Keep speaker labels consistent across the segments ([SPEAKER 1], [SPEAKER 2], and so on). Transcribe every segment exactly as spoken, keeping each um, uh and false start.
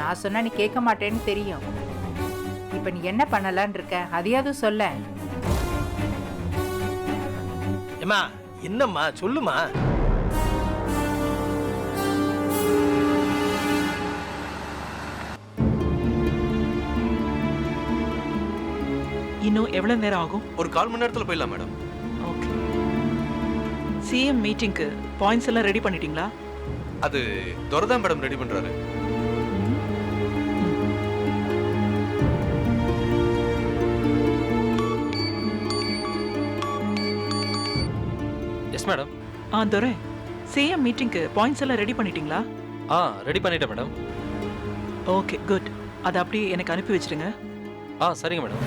[SPEAKER 1] நான் சொன்னா நீ கேட்க மாட்டேன்னு தெரியும். இப்ப நீ என்ன பண்ணலான்னு இருக்க, அதையாவது சொல்ல.
[SPEAKER 2] ஏமா என்னம்மா சொல்லுமா.
[SPEAKER 3] இன்னும் எவ்வளவு நேரம் ஆகும்?
[SPEAKER 4] ஒரு கால் மணி நேரத்துல போயிடலாம் மேடம்.
[SPEAKER 3] ஓகே. சிஎம் மீட்டிங்க்கு பாயிண்ட்ஸ் எல்லாம் ரெடி பண்ணிட்டீங்களா?
[SPEAKER 4] அது துரதான் மேடம் ரெடி பண்றாரு.
[SPEAKER 5] Yes madam.
[SPEAKER 3] ஆ துரை, சிஎம் மீட்டிங்க்கு பாயிண்ட்ஸ் எல்லாம் ரெடி பண்ணிட்டீங்களா?
[SPEAKER 5] ஆ ரெடி பண்ணிட்டேன் மேடம்.
[SPEAKER 3] Okay good. அதை அப்படியே எனக்கு அனுப்பி வச்சிருங்க.
[SPEAKER 5] ஆ சரிங்க மேடம்.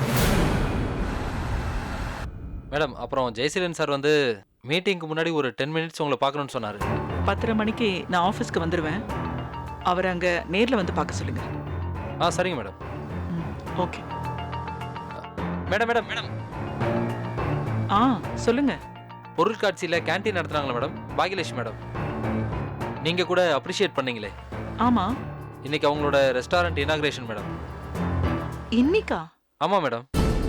[SPEAKER 5] மேடம் அப்புறம் ஜெயசீலன் சார் வந்து மீட்டிங்க்கு முன்னாடி ஒரு டென் மினிட்ஸ் உங்களை பார்க்கணும்னு சொன்னார்.
[SPEAKER 3] பத்தரை மணிக்கு நான் ஆஃபீஸ்க்கு வந்துடுவேன். அவர் அங்கே நேரில் வந்து பார்க்க சொல்லுங்க.
[SPEAKER 5] ஆ சரிங்க மேடம்.
[SPEAKER 3] ம் ஓகே.
[SPEAKER 5] மேடம் மேடம் மேடம்
[SPEAKER 3] ஆ சொல்லுங்க.
[SPEAKER 5] பொருட்காட்சியில் கேன்டீன் நடத்துனாங்களா மேடம்? பாகியலட்சுமி மேடம், நீங்கள் கூட அப்ரிஷியேட் பண்ணீங்களே.
[SPEAKER 3] ஆமாம்.
[SPEAKER 5] இன்னைக்கு அவங்களோட ரெஸ்டாரண்ட் இனாகிரேஷன் மேடம்.
[SPEAKER 3] இன்னிக்கா?
[SPEAKER 5] ஆமாம் மேடம்.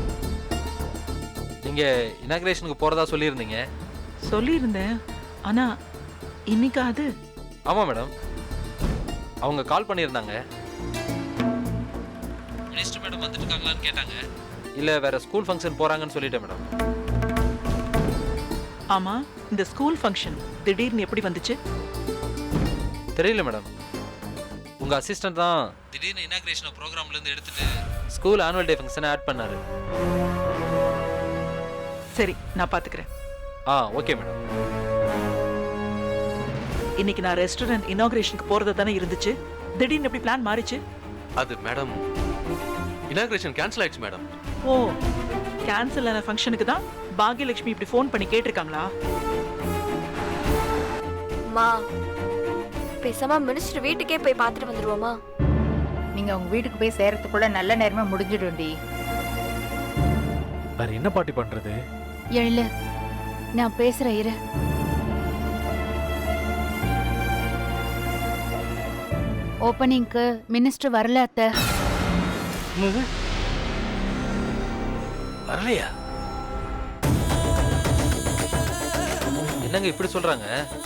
[SPEAKER 5] நீங்கள் இனாகிரேஷனுக்கு போகிறதா சொல்லியிருந்தீங்க.
[SPEAKER 3] சொல்லியிருந்தேன், ஆனால் இன்னிக்கா அது?
[SPEAKER 5] ஆமாம் மேடம். அவங்க கால் பண்ணியிருந்தாங்க. மினிஸ்டர் மேடம் வந்துட்டு இருக்காங்களான்னு கேட்டாங்க. இல்லை வேற ஸ்கூல் ஃபங்க்ஷன் போகிறாங்கன்னு சொல்லிட்டேன் மேடம்.
[SPEAKER 3] ஆமாம், இந்த ஸ்கூல் ஃபங்க்ஷன் திடீர்னு எப்படி வந்துச்சு?
[SPEAKER 5] தெரியல மேடம். உங்கள் அசிஸ்டன்ட் தான் திடீர்னு இனாகிரேஷன் ப்ரோக்ராம்லேருந்து எடுத்துட்டு ஸ்கூல் ஆனுவல் டே ஃபங்க்ஷனை ஆட் பண்ணார்.
[SPEAKER 3] சரி, நான் பார்த்துக்கிறேன்.
[SPEAKER 5] ஆ ஓகே மேடம்.
[SPEAKER 3] இன்னைக்கு நான் ரெஸ்டாரண்ட் இனாகிரேஷனுக்கு போறது தானே இருந்துச்சு. திடீர்னு எப்படி பிளான் மாறிச்சு?
[SPEAKER 4] அது மேடம் இனாகிரேஷன் கேன்சல் ஆயிடுச்சு மேடம்.
[SPEAKER 3] ஓ, கேன்சல் ஆன ஃபங்க்ஷனுக்கு தான் பாகியலட்சுமி இப்படி ஃபோன் பண்ணி கேட்டிருக்காங்களா?
[SPEAKER 6] மா, பேசாம மினிஸ்டர் வீட்டுக்கே போய் பார்த்துட்டு வந்துருவோமா?
[SPEAKER 1] நீங்க உங்க வீட்டுக்கு போய் சேரத்துக்குள்ள நல்ல நேரமே முடிஞ்சிடும்டி.
[SPEAKER 2] வேற என்ன பாட்டி பண்றது?
[SPEAKER 7] எழு, நான் பேசுறேன் இரு. ஓப்பனிங்க்கு மினிஸ்டர் வரல அத்தை.
[SPEAKER 2] வரலையா?
[SPEAKER 5] என்னங்க இப்படி சொல்றாங்க?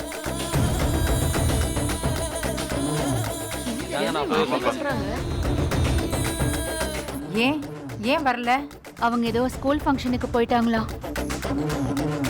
[SPEAKER 5] நான் போய்
[SPEAKER 6] சொல்றாங்க.
[SPEAKER 1] ஏன் ஏன் வரல?
[SPEAKER 7] அவங்க ஏதோ ஸ்கூல் ஃபங்க்ஷனுக்கு போயிட்டாங்களா?